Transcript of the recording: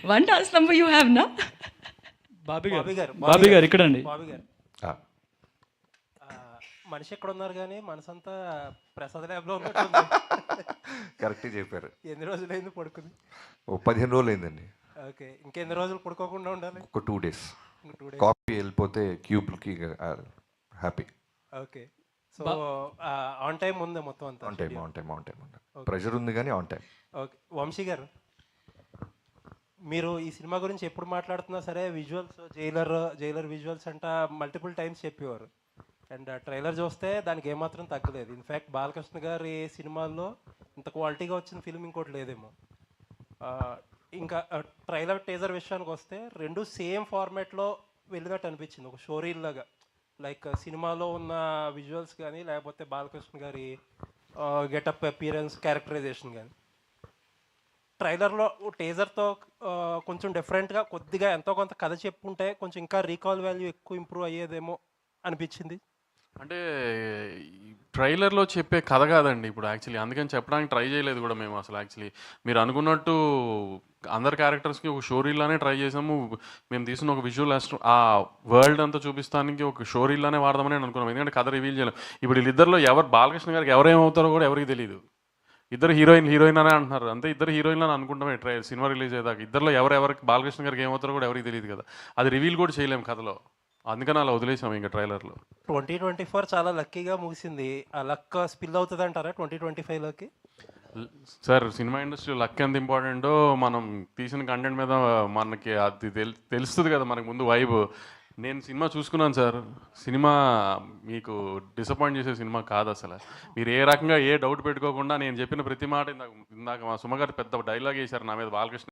One dance number you have, na? Bobby గారు ఇక్కడండి. బాబీ గారు మనిషి ఎక్కడ ఉన్నారు కానీ మనసంతా ప్రసాద్ ల్యాబ్లో ఉన్నట్టుంది. కరెక్ట్గా చెప్పారు. ఎన్ని రోజులైంది పడుకుంది? ఓ 15 రోజులు అయిందండి. ఓకే, ఇంకెన్ని రోజులు పడుకోకుండా ఉండాలి? ఒక 2 days. 2 days. కాఫీ వెళ్ళిపోతే క్యూబ్కి happy. Okay, so on time ఉంది మొత్తం అంతా? On time. ప్రెషర్ ఉంది కానీ ఆన్ టైం. ఓకే, వంశీ గారు మీరు ఈ సినిమా గురించి ఎప్పుడు మాట్లాడుతున్నా సరే విజువల్స్ జైలర్ విజువల్స్ అంట మల్టిపుల్ టైమ్స్ చెప్పేవారు. అండ్ ట్రైలర్ చూస్తే దానికి ఏమాత్రం తగ్గలేదు. ఇన్ఫ్యాక్ట్ బాలకృష్ణ గారి సినిమాల్లో ఇంత క్వాలిటీగా వచ్చిన ఫిల్మ్ ఇంకోటి లేదేమో. ఇంకా ట్రైలర్ టీజర్ విషయానికి వస్తే రెండు సేమ్ ఫార్మాట్లో వెళ్ళినట్టు అనిపించింది, ఒక షోరీల్ లాగా. లైక్ సినిమాలో ఉన్న విజువల్స్ కానీ లేకపోతే బాలకృష్ణ గారి గెటప్ అపియరెన్స్ క్యారెక్టరైజేషన్ కానీ ట్రైలర్లో టీజర్తో కొంచెం డిఫరెంట్గా కొద్దిగా ఎంతో కొంత కథ చెప్పుంటే కొంచెం ఇంకా రీకాల్ వాల్యూ ఎక్కువ ఇంప్రూవ్ అయ్యేదేమో అనిపించింది. అంటే ట్రైలర్లో చెప్పే కథ కాదండి ఇప్పుడు యాక్చువల్లీ, అందుకని చెప్పడానికి ట్రై చేయలేదు కూడా మేము అసలు. యాక్చువల్లీ మీరు అనుకున్నట్టు అందరి క్యారెక్టర్స్కి ఒక షోరీలానే ట్రై చేసాము. మేము తీసిన ఒక విజువల్ ఆ వరల్డ్ అంతా చూపిస్తానికి ఒక షోరీలానే వాడదామని అనుకున్నాం, ఎందుకంటే కథ రివీల్ చేయలేం. ఇప్పుడు వీళ్ళిద్దరిలో బాలకృష్ణ గారికి ఎవరేమవుతారో కూడా ఎవరికి తెలియదు. ఇద్దరు హీరోయిన్ అనే అంటున్నారు, అంతే ఇద్దరు హీరోయిన్లు అని అనుకుంటామే సినిమా రిలీజ్ అయ్యేదాకా. ఇద్దరులో ఎవరికి బాలకృష్ణ గారికి ఏమవుతారో కూడా ఎవరికి తెలియదు కదా, అది రివీల్ కూడా చేయలేము కథలో, అందుకని అలా వదిలేసాము ఇంకా ట్రైలర్లో. 2024 చాలా లక్కీగా ముగిసింది. ఆ లక్ స్పిల్ అవుతుంది అంటారా 2025లోకి? సార్ సినిమా ఇండస్ట్రీ లక్ ఎంత ఇంపార్టెంటో మనం తీసిన కంటెంట్ మీద మనకి అది తెలుస్తుంది కదా మనకు ముందు వైబ్. నేను సినిమా చూసుకున్నాను సార్, సినిమా మీకు డిసప్పాయింట్ చేసే సినిమా కాదు అసలు. మీరు ఏ రకంగా ఏ డౌట్ పెట్టుకోకుండా నేను చెప్పిన ప్రతి మాట ఇందాక మా సుమగారు పెద్ద డైలాగ్ వేశారు నా మీద బాలకృష్ణ